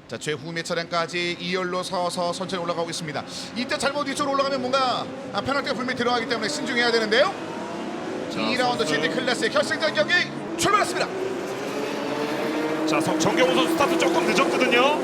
자, 최후의 차량까지 2열로 서서 천천히 올라가고 있습니다. 이때 잘못 뒤쪽으로 올라가면 뭔가 페널티가 분명히 들어가기 때문에 신중해야 되는데요. 자, 2라운드 GT 클래스의 결승전 경기 출발했습니다. 자, 정경호 선수 스타트 조금 늦었거든요.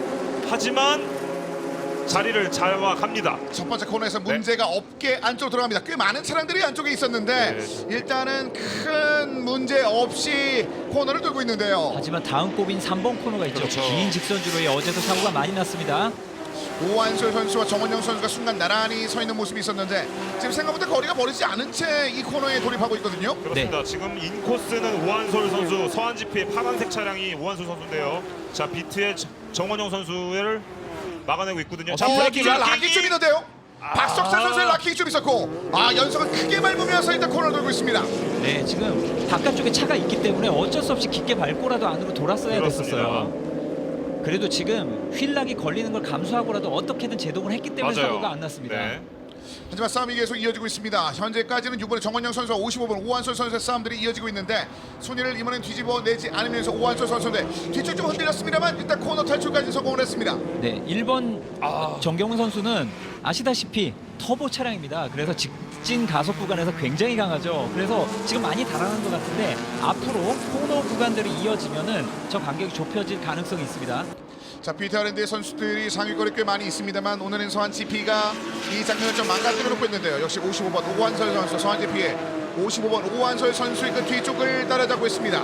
하지만 자리를 잡아갑니다. 첫 번째 코너에서 문제가 없게 안쪽으로 들어갑니다. 꽤 많은 차량들이 안쪽에 있었는데 일단은 큰 문제 없이 코너를 돌고 있는데요. 하지만 다음 꼽인 3번 코너가 있죠. 그렇죠. 긴 직선주로에 어제도 사고가 많이 났습니다. 오한솔 선수와 정원영 선수가 순간 나란히 서 있는 모습이 있었는데 지금 생각보다 거리가 멀지 않은 채 이 코너에 돌입하고 있거든요. 그렇습니다. 지금 인코스는 오한솔 선수, 서한지피의 파란색 차량이 오한솔 선수인데요. 자, 비트의 정원영 선수를 막아내고 있거든요. 자, 브레이킹 락킹이 좀 있는데요. 박석찬 선수의 락킹이 좀 있었고 연속을 크게 밟으면서 일단 코너를 돌고 있습니다. 네, 지금 바깥쪽에 차가 있기 때문에 어쩔 수 없이 깊게 밟고라도 안으로 돌았어야 그렇습니다. 됐었어요. 그래도 지금 휠락이 걸리는 걸 감수하고라도 어떻게든 제동을 했기 때문에 맞아요. 사고가 안 났습니다. 네. 하지만 싸움이 계속 이어지고 있습니다. 현재까지는 6번의 정원영 선수와 55번 오한솔 선수의 싸움들이 이어지고 있는데 순위를 이번엔 뒤집어 내지 않으면서 오한솔 선수인데 뒤쪽 좀 흔들렸습니다만 일단 코너 탈출까지 성공을 했습니다. 네, 1번 정경훈 선수는 아시다시피 터보 차량입니다. 그래서 직진 가속 구간에서 굉장히 강하죠. 그래서 지금 많이 달아난 것 같은데 앞으로 코너 구간들이 이어지면은 저 간격이 좁혀질 가능성이 있습니다. 자, BTRND의 선수들이 상위권에 꽤 많이 있습니다만 오늘은 서한 GP가 이 장면을 좀 망가뜨려 놓고 있는데요. 역시 55번 오한솔 선수, 서한 GP의 55번 오한솔 선수의 그 뒤쪽을 따라잡고 있습니다.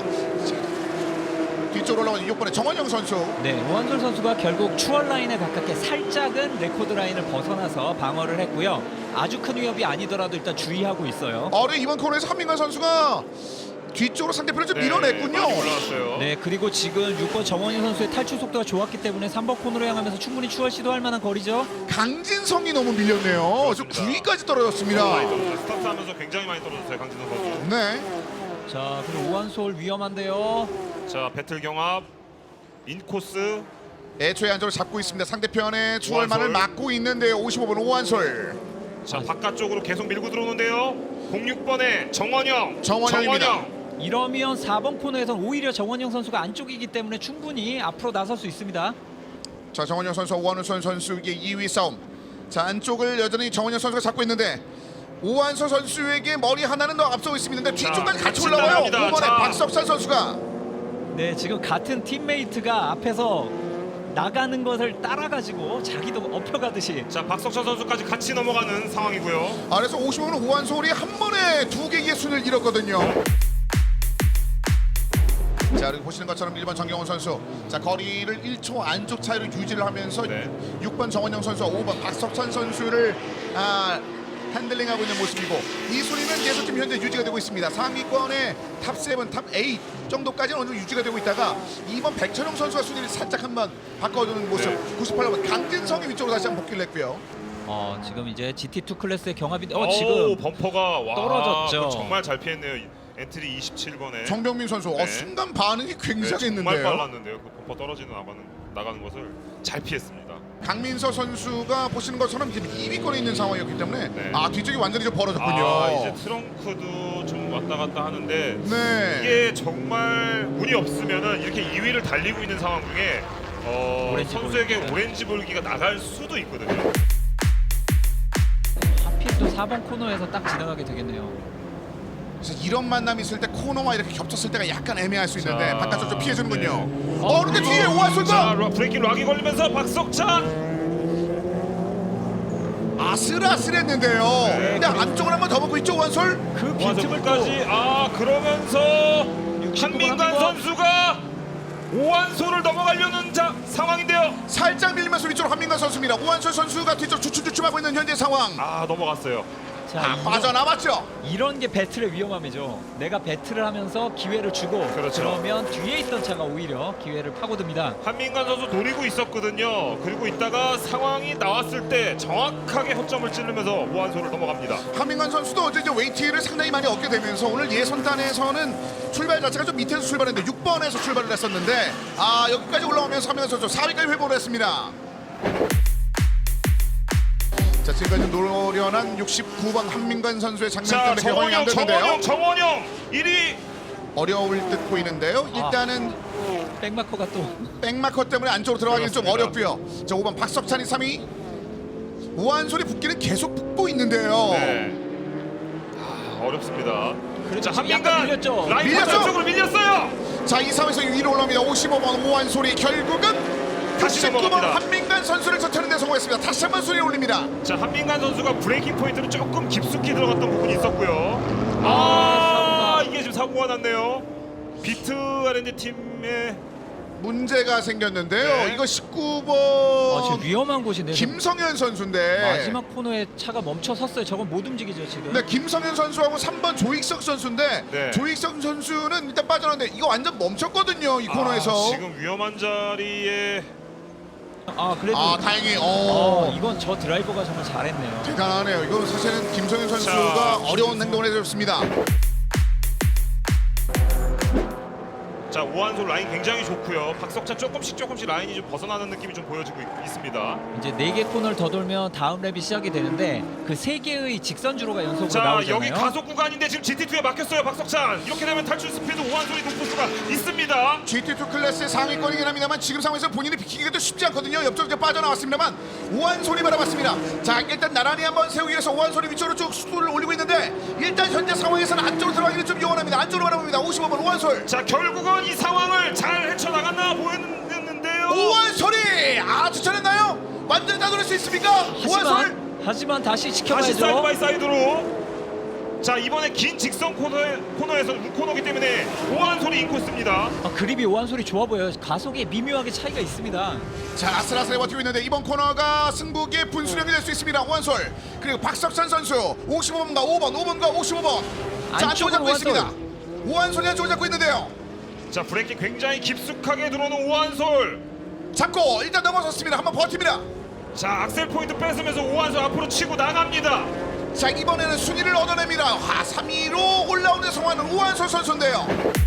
뒤쪽으로 올라오는 6번의 정원영 선수. 네, 오한솔 선수가 결국 추월 라인에 가깝게 살짝은 레코드 라인을 벗어나서 방어를 했고요. 아주 큰 위협이 아니더라도 일단 주의하고 있어요. 이번 코너에서 한민관 선수가 뒤쪽으로 상대편을 좀 밀어냈군요. 많이 올라왔어요. 네, 그리고 지금 6번 정원희 선수의 탈출 속도가 좋았기 때문에 3번 코너로 향하면서 충분히 추월 시도할 만한 거리죠. 강진성이 너무 밀렸네요. 좀 그렇습니다. 9위까지 떨어졌습니다. 많이 떨어졌어요. 스타트하면서 굉장히 많이 떨어졌어요, 강진성 선수. 네. 자, 그리고 오한솔 위험한데요. 자, 배틀 경합, 인코스. 애초에 안쪽을 잡고 있습니다. 상대편의 추월만을 오한솔. 막고 있는데요. 55번 오한솔. 자, 바깥쪽으로 계속 밀고 들어오는데요. 06번의 정원영. 정원영입니다. 이러면 4번 코너에선 오히려 정원영 선수가 안쪽이기 때문에 충분히 앞으로 나설 수 있습니다. 자, 정원영 선수와 오한솔 선수의 2위 싸움. 자, 안쪽을 여전히 정원영 선수가 잡고 있는데 오한솔 선수에게 머리 하나는 더 앞서고 있습니다. 뒤쪽까지 같이 같이 올라와요. 따라갑니다. 5번의 자. 박석찬 선수가. 네, 지금 같은 팀메이트가 앞에서 나가는 것을 따라가지고 자기도 엎혀가듯이. 자, 박석찬 선수까지 같이 넘어가는 상황이고요. 그래서 55번 오한솔이 한 번에 두 개의 순을 잃었거든요. 자, 그리고 보시는 것처럼 1번 정경훈 선수, 자, 거리를 1초 안쪽 차이로 유지를 하면서 네. 6번 정원영 선수와 5번 박석찬 선수를 핸들링하고 있는 모습이고 이 순위는 계속 지금 현재 유지가 되고 있습니다. 상위권의 탑 7, 탑 8 정도까지는 어느 정도 유지가 되고 있다가 2번 백천용 선수가 순위를 살짝 한번 바꿔주는 모습. 네. 98번 강진성이 위쪽으로 다시 한번 복귀를 했고요. 지금 이제 GT2 클래스의 경합인데 오, 지금 범퍼가 와, 떨어졌죠. 그거 정말 잘 피했네요. 엔트리 27번에. 정병민 선수 네. 순간 반응이 정말 굉장했는데요. 빨랐는데요. 그 범퍼 떨어지는 나가는 것을 잘 피했습니다. 강민서 선수가 보시는 것처럼 지금 2위권에 있는 상황이었기 때문에 네. 뒤쪽이 완전히 좀 벌어졌군요. 이제 트렁크도 좀 왔다 갔다 하는데 네. 이게 정말 운이 없으면은 이렇게 2위를 달리고 있는 상황 중에 오렌지 선수에게 볼기. 오렌지 볼기가 나갈 수도 있거든요. 하필 또 4번 코너에서 딱 지나가게 되겠네요. 그래서 이런 만남이 있을 때 코너와 이렇게 겹쳤을 때가 약간 애매할 수 있는데 자, 바깥쪽 좀 피해주는군요. 네. 근데 뒤에 오한솔도 자, 브레이킹 락이 걸리면서 박석찬. 아슬아슬했는데요. 네, 근데 안쪽을 한번 더 보고 있죠 오한솔. 그 빈틈을 또 완성까지 그러면서 한민관 선수가 오한솔을 넘어가려는 상황인데요. 살짝 밀리면서 위쪽으로 한민관 선수입니다. 오한솔 선수가 뒤쪽 주춤주춤하고 있는 현재 상황. 넘어갔어요. 자, 빠져나왔죠. 이런 게 배틀의 위험함이죠. 내가 배틀을 하면서 기회를 주고 그렇죠. 그러면 뒤에 있던 차가 오히려 기회를 파고듭니다. 한민관 선수 노리고 있었거든요. 그리고 있다가 상황이 나왔을 때 정확하게 허점을 찌르면서 오한솔을 넘어갑니다. 한민관 선수도 어제 이제 웨이트를 상당히 많이 얻게 되면서 오늘 예선단에서는 출발 자체가 좀 밑에서 출발했는데 6번에서 출발을 했었는데 여기까지 올라오면서 한민관 선수 4위까지 회복을 했습니다. 자, 지금까지 노련한 69번 한민관 선수의 장면 자, 때문에 개방이 안 됐는데요. 정원영 1위. 어려울 듯 보이는데요. 일단은 백마커가 또 백마커 때문에 안쪽으로 들어가기는 좀 그렇습니다. 어렵고요. 자 5번 박석찬이 3위. 우한솔이 붙기는 계속 붙고 있는데요. 네. 어렵습니다. 그래도 자, 지금 약간 한민간 밀렸죠. 라인 밀렸죠? 쪽으로 밀렸어요. 자 이 상황에서 위로 올라옵니다. 55번 오한솔이 결국은 다시 69번 넘어갑니다. 한민간 선수를 젖혀는 데 성공했습니다. 다시 한번 순위 올립니다. 자, 한민간 선수가 브레이킹 포인트로 조금 깊숙이 들어갔던 부분이 있었고요. 사고가. 이게 지금 사고가 났네요. 비트 R&D 팀의 문제가 생겼는데요. 네. 이거 19번 지금 위험한 곳인데요. 김성현 선수인데 마지막 코너에 차가 멈춰 섰어요. 저건 못 움직이죠 지금. 네, 김성현 선수하고 3번 조익석 선수인데 네. 조익석 선수는 일단 빠져나왔는데 이거 완전 멈췄거든요. 이 코너에서. 지금 위험한 자리에 그래도 다행히 이건 저 드라이버가 정말 잘했네요. 대단하네요. 이거 사실은 김성현 선수가 자, 어려운 행동을 해줬습니다. 자, 오한솔 라인 굉장히 좋고요. 박석찬 조금씩 라인이 좀 벗어나는 느낌이 좀 보여지고 있습니다. 이제 4개 코너를 더 돌면 다음 랩이 시작이 되는데 그 3개의 직선 주로가 연속으로 자, 나오잖아요. 여기 가속 구간인데 지금 GT2에 막혔어요. 박석찬. 이렇게 되면 탈출 스피드 오한솔이 높을 수가 있습니다. GT2 클래스의 상위권이긴 합니다만 지금 상황에서 본인이 비키기도 쉽지 않거든요. 옆쪽에 빠져나왔습니다만 오한솔이 바라봤습니다. 자 일단 나란히 한번 세우기 위해서 오한솔이 위쪽으로 쭉 수도를 올리고 있는데 일단 현재 상황에서는 안쪽으로 들어가기는 좀 요원합니다. 안쪽으로 바라봅니다. 55번 오한솔. 자, 결국은 이 상황을 잘 헤쳐나갔나 보였는데요. 오한솔이 아주 잘했나요? 완전히 다 돌릴 수 있습니까? 오한솔. 하지만 다시 다시 지켜봐야죠. 사이드 바이 사이드로. 자, 이번에 긴 직선 코너에서 우코너기 때문에 오한솔이 인코스입니다. 그립이 오한솔이 좋아 보여요. 가속에 미묘하게 차이가 있습니다. 자 아슬아슬해 버티고 있는데 이번 코너가 승부의 분수령이 될 수 있습니다. 오한솔 그리고 박석찬 선수 55번과 5번과 55번 자 안쪽을 잡고 오한솔. 있습니다. 오한솔이 안쪽을 잡고 있는데요. 자, 브레이킹 굉장히 깊숙하게 들어오는 오한솔. 잡고 일단 넘어섰습니다. 한번 버팁니다. 자, 악셀 포인트 뺏으면서 오한솔 앞으로 치고 나갑니다. 자 이번에는 순위를 얻어냅니다. 3위로 올라오는 성화는 오한솔 선수인데요.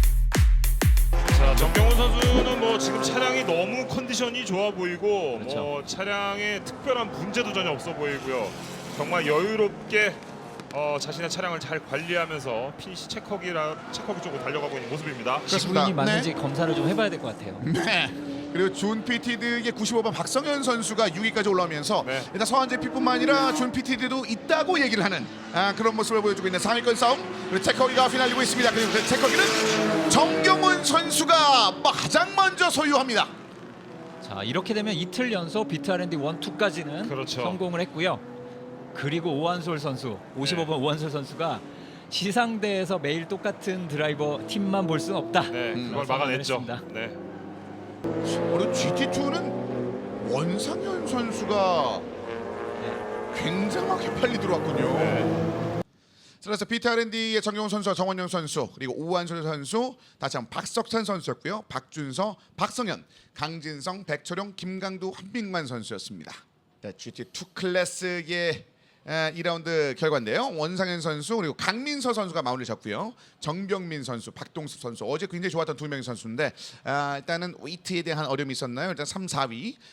자, 정경훈 선수는 뭐 지금 차량이 너무 컨디션이 좋아 보이고 그렇죠. 뭐 차량에 특별한 문제도 전혀 없어 보이고요. 정말 여유롭게 자신의 차량을 잘 관리하면서 피니시 체커기 쪽으로 달려가고 있는 모습입니다. 그렇습니다. 지구인이 맞는지 검사를 좀 해봐야 될 것 같아요. 네. 그리고 존 피티드의 95번 박성현 선수가 6위까지 올라오면서 네. 일단 서한제피뿐만 아니라 존 피티드도 있다고 얘기를 하는 그런 모습을 보여주고 있는 3위권 싸움. 그리고 체커기가 휘날리고 있습니다. 그리고 그 체커기는 정경훈 선수가 가장 먼저 소유합니다. 자 이렇게 되면 이틀 연속 비트 R&D 1, 2까지는 그렇죠. 성공을 했고요. 그리고 오한솔 선수 55번 오한솔 선수가 시상대에서 매일 똑같은 드라이버 팀만 볼 수는 없다. 네, 그걸 선언을 막아냈죠. 했습니다. 네. 그리고 GT2는 원상현 선수가 굉장하게 빨리 들어왔군요. 네. 그래서 비트 R&D의 정경훈 선수와 정원영 선수 그리고 오한솔 선수 다시 한번 박석찬 선수였고요. 박준서, 박성현, 강진성, 백철용, 김강두, 한민만 선수였습니다. GT2 클래스의 2라운드 결과인데요. 원상현 선수 그리고 강민서 선수가 마무리를 잡고요. 정병민 선수, 박동섭 선수 어제 굉장히 좋았던 두 명의 선수인데 일단은 웨이트에 대한 어려움이 있었나요? 일단 3, 4위